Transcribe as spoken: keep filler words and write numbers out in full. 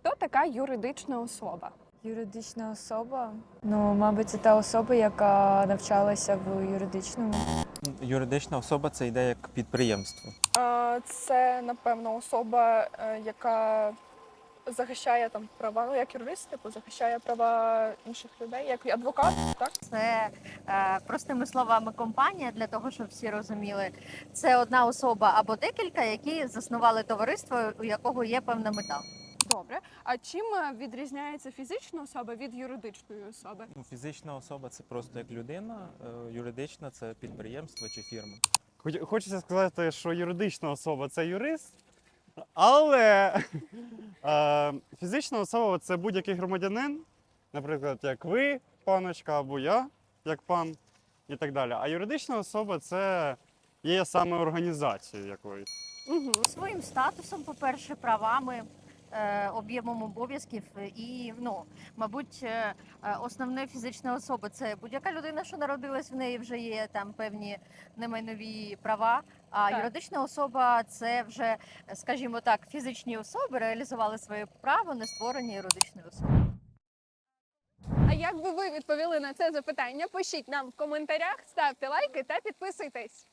Хто така юридична особа? Юридична особа. Ну, мабуть, це та особа, яка навчалася в юридичному. Юридична особа це йде як підприємство. А, Це, напевно, особа, е, яка захищає там права, ну як юрист, типу, захищає права інших людей, як адвокат, так? Це е, простими словами компанія, для того, щоб всі розуміли. Це одна особа або декілька, які заснували товариство, у якого є певна мета. Добре. А чим е, відрізняється фізична особа від юридичної особи? Ну, фізична особа це просто як людина, е, юридична це підприємство чи фірма. Хоч- Хочеться сказати, що юридична особа це юрист, але е, фізична особа це будь-який громадянин, наприклад, як ви, паночка, або я, як пан, і так далі. А юридична особа це є саме організацією якоюсь. Угу. Своїм статусом, по-перше, правами, е, об'ємом обов'язків і, ну, мабуть, е, е, основне фізична особа це будь-яка людина, що народилась, в неї вже є там певні немайнові права. А Так. юридична особа це вже, скажімо так, фізичні особи реалізували своє право на створення юридичної особи. А як би ви відповіли на це запитання? Пишіть нам в коментарях, ставте лайки та підписуйтесь.